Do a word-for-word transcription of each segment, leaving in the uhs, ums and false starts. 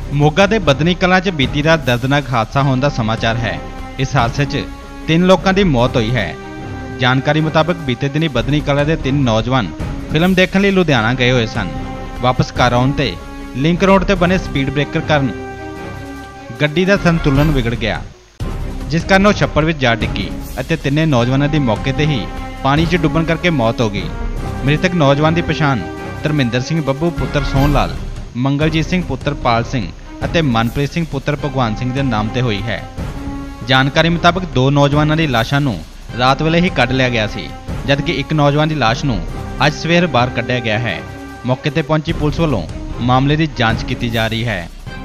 मोगा के बदनी कलां च बीती रात दर्दनाक हादसा होने का समाचार है। इस हादसे च तीन लोगों की मौत हुई है। जानकारी मुताबिक बीते दिनी बदनी कलां के तीन नौजवान फिल्म देखने लिए लुधियाना गए हुए सन। वापस घर आउण ते लिंक रोड ते बने स्पीड ब्रेकर कारण गड्डी का संतुलन बिगड़ गया, जिस कारण वो छप्पड़ में जा डिग्गी और तिन्ने नौजवानों की मौके पर ही पानी च डुब्बण करके मौत हो गई। मृतक नौजवान की पछाण धर्मिंदर सिंह बब्बू पुत्र सोहन लाल, मंगलजीत सिंह पुत्र पाल सिंह ਅਤੇ ਮਨਪ੍ਰੀਤ ਸਿੰਘ ਪੁੱਤਰ ਭਗਵਾਨ ਸਿੰਘ ਦੇ ਨਾਮ ਤੇ ਹੋਈ ਹੈ। ਜਾਣਕਾਰੀ ਮੁਤਾਬਕ ਦੋ ਨੌਜਵਾਨਾਂ ਦੀ ਲਾਸ਼ਾਂ ਨੂੰ ਰਾਤ ਵੇਲੇ ਹੀ ਕੱਢ ਲਿਆ ਗਿਆ ਸੀ, ਜਦਕਿ ਇੱਕ ਨੌਜਵਾਨ ਦੀ ਲਾਸ਼ ਨੂੰ ਅੱਜ ਸਵੇਰ ਬਾਹਰ ਕੱਢਿਆ ਗਿਆ ਹੈ। ਮੌਕੇ ਤੇ ਪਹੁੰਚੀ ਪੁਲਿਸ ਵੱਲੋਂ ਮਾਮਲੇ ਦੀ ਜਾਂਚ ਕੀਤੀ ਜਾ ਰਹੀ ਹੈ।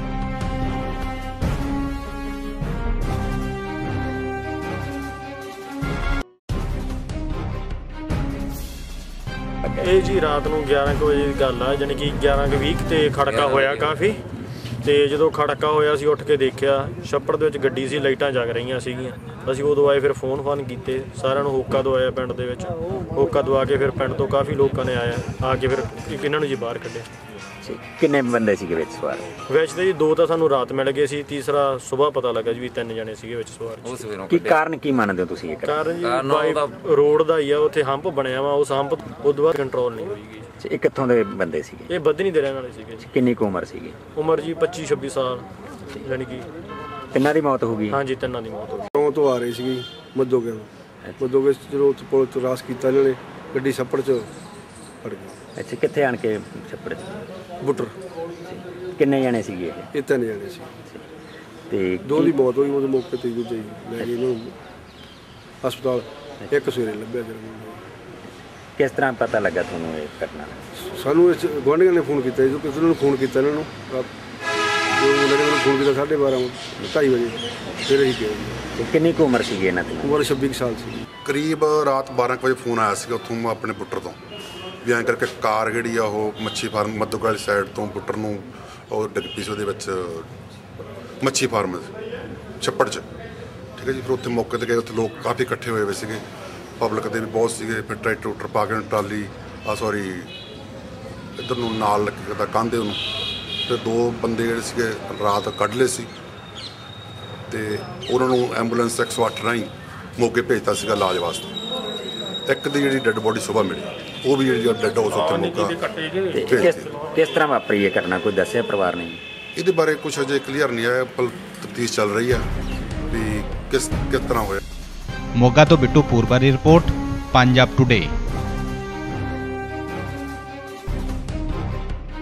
ਇਹ ਜੀ ਰਾਤ ਨੂੰ ਗਿਆਰਾਂ ਕੁ ਵਜੇ ਦੀ ਗੱਲ ਆ, ਜਾਣੀ ਕਿ ਗਿਆਰਾਂ ਕੁ ਵੀਹ ਤੇ ਖੜਕਾ ਹੋਇਆ ਕਾਫੀ। ਤੇ ਜਦੋਂ ਖੜਕਾ ਹੋਇਆ ਅਸੀਂ ਉੱਠ ਕੇ ਦੇਖਿਆ ਛੱਪੜ ਦੇ ਵਿੱਚ ਗੱਡੀ ਸੀ, ਲਾਈਟਾਂ ਜਗ ਰਹੀਆਂ ਸੀਗੀਆਂ। ਅਸੀਂ ਉਦੋਂ ਆਏ, ਫਿਰ ਫੋਨ ਫਾਨ ਕੀਤੇ, ਸਾਰਿਆਂ ਨੂੰ ਹੋਕਾ ਦਵਾਇਆ ਪਿੰਡ ਦੇ ਵਿੱਚ। ਹੋਕਾ ਦਵਾ ਕੇ ਫਿਰ ਪਿੰਡ ਤੋਂ ਕਾਫੀ ਲੋਕਾਂ ਨੇ ਆਇਆ ਆ ਕੇ ਫਿਰ ਇਹਨਾਂ ਨੂੰ ਜੀ ਬਾਹਰ ਕੱਢਿਆ। ਕਿੰਨੇ ਬੰਦੇ ਸੀਗੇ ਵਿੱਚ ਸਵਾਰ? ਵਿੱਚ ਤੇ ਜੀ ਦੋ ਤਾਂ ਸਾਨੂੰ ਰਾਤ ਮਿਲ ਗਏ ਸੀ, ਤੀਸਰਾ ਸਵੇਰ ਪਤਾ ਲੱਗਾ ਜੀ ਵੀ ਤਿੰਨ ਜਣੇ ਸੀਗੇ ਵਿੱਚ ਸਵਾਰ। ਕੀ ਕਾਰਨ ਕੀ ਮੰਨਦੇ ਹੋ ਤੁਸੀਂ? ਇਹ ਕਾਰਨ ਜੀ ਰੋਡ ਦਾ ਹੀ ਆ, ਉੱਥੇ ਹੰਪ ਬਣਿਆ ਵਾ, ਉਸ ਹੰਪ ਉਦੋਂ ਬਾਅਦ ਕੰਟਰੋਲ ਨਹੀਂ ਹੋਈਗੀ। ਇਹ ਕਿੱਥੋਂ ਦੇ ਬੰਦੇ ਸੀਗੇ? ਇਹ ਬਦਨੀ ਦੇ ਰਹਿਣ ਵਾਲੇ ਸੀਗੇ। ਕਿੰਨੀ ਕੁ ਉਮਰ ਸੀਗੀ? ਉਮਰ ਜੀ ਪੱਚੀ ਛੱਬੀ ਸਾਲ। ਯਾਨੀ ਕਿ ਤਿੰਨਾਂ ਦੀ ਮੌਤ ਹੋ ਗਈ? ਹਾਂਜੀ, ਤਿੰਨਾਂ ਦੀ ਮੌਤ ਹੋ ਗਈ। ਤੋਂ ਤੋਂ ਆ ਰਹੀ ਸੀਗੀ ਮੱਦੋਗੇ ਮੱਦੋਗੇ ਜਦੋਂ ਉੱਥੇ ਪੁਲ ਤੋਂ ਰਾਸ ਕੀਤਾ ਇਹਨਾਂ ਨੇ, ਗੱਡੀ ਛੱਪੜ 'ਚ ਫੜ ਗਈ। ਅੱਛਾ, ਕਿੱਥੇ ਆਣ ਕੇ ਛੱਪੜ 'ਚ? ਬੁੱਟਰ। ਕਿੰਨੇ ਜਣੇ ਸੀਗੇ ਇਹ? ਇਹ ਤਿੰਨ ਜਣੇ ਸੀ ਤੇ ਦੋ ਦੀ ਮੌਤ ਹੋਈ ਉਹਦੇ ਮੌਕੇ ਤੇ, ਦੂਜੇ ਲੈ ਗਏ ਇਹਨੂੰ ਹਸਪਤਾਲ। ਇੱਕ ਸਵੇਰੇ ਲੱਭਿਆ ਜਦੋਂ। ਕਿਸ ਤਰ੍ਹਾਂ ਪਤਾ ਲੱਗਾ ਤੁਹਾਨੂੰ ਇਹ ਘਟਨਾ? ਸਾਨੂੰ ਇਸ ਗੁਆਂਢੀਆਂ ਨੇ ਫੋਨ ਕੀਤਾ, ਜਦੋਂ ਕਿਸੇ ਨੂੰ ਫੋਨ ਕੀਤਾ ਇਹਨਾਂ ਨੂੰ, ਜੋ ਮੁੰਡੇ ਨੇ ਮੈਨੂੰ ਫੋਨ ਕੀਤਾ ਸਾਢੇ ਬਾਰਾਂ ਢਾਈ ਵਜੇ, ਫਿਰ ਅਸੀਂ ਗਏ। ਕਿੰਨੀ ਕੁ ਉਮਰ ਸੀਗੀ ਇਹਨਾਂ ਦੀ? ਉਮਰ ਛੱਬੀ ਸਾਲ ਸੀ। ਕਰੀਬ ਰਾਤ ਬਾਰਾਂ ਕੁ ਵਜੇ ਫੋਨ ਆਇਆ ਸੀਗਾ ਉੱਥੋਂ ਆਪਣੇ ਬੁੱਟਰ ਤੋਂ, ਵੀ ਐਂ ਕਰਕੇ ਕਾਰ ਜਿਹੜੀ ਆ ਉਹ ਮੱਛੀ ਫਾਰਮ ਮੱਦੋਗੇ ਵਾਲੀ ਸਾਈਡ ਤੋਂ ਬੁੱਟਰ ਨੂੰ ਉਹ ਡਿੱਗ ਪਈ ਸੀ ਉਹਦੇ ਵਿੱਚ ਮੱਛੀ ਫਾਰਮ ਛੱਪੜ 'ਚ। ਠੀਕ ਹੈ ਜੀ। ਫਿਰ ਉੱਥੇ ਮੌਕੇ 'ਤੇ ਗਏ, ਉੱਥੇ ਲੋਕ ਕਾਫੀ ਇਕੱਠੇ ਹੋਏ ਹੋਏ ਸੀਗੇ, ਪਬਲਿਕ ਦੇ ਵੀ ਬਹੁਤ ਸੀਗੇ। ਫਿਰ ਟਰੈਕਟਰ ਟਰੂਕਟਰ ਪਾ ਕੇ ਟਰਾਲੀ ਆ ਸੌਰੀ ਇੱਧਰ ਨੂੰ ਨਾਲ ਲੱਗੇ ਦਾ ਕਾਂਧੇ ਉਹਨੂੰ, ਫਿਰ ਦੋ ਬੰਦੇ ਜਿਹੜੇ ਸੀਗੇ ਰਾਤ ਕੱਢ ਲਏ ਸੀ ਅਤੇ ਉਹਨਾਂ ਨੂੰ ਐਂਬੂਲੈਂਸ ਇੱਕ ਸੌ ਅੱਠ ਰਾਹੀਂ ਮੋਗੇ ਭੇਜਤਾ ਸੀਗਾ ਇਲਾਜ ਵਾਸਤੇ। ਇੱਕ ਦੀ ਜਿਹੜੀ ਡੈੱਡ ਬੋਡੀ ਸੁਬਾਹ ਮਿਲੀ, ਉਹ ਵੀ ਜਿਹੜੀ ਡੈੱਡ ਹਾਊਸ ਉੱਥੇ ਮੋਗਾ ਭੇਜਤੀ। ਕਿਸ ਤਰ੍ਹਾਂ ਵਾਪਰੀ ਇਹ ਘਟਨਾ, ਕੋਈ ਦੱਸਿਆ ਪਰਿਵਾਰ ਨੇ? ਇਹਦੇ ਬਾਰੇ ਕੁਛ ਅਜੇ ਕਲੀਅਰ ਨਹੀਂ ਆਇਆ, ਪਰ ਤਫਤੀਸ਼ ਚੱਲ ਰਹੀ ਹੈ ਵੀ ਕਿਸ ਕਿਸ ਤਰ੍ਹਾਂ ਹੋਇਆ। मोगा तो बिट्टू पूरबा की रिपोर्ट, पंजाब टुडे।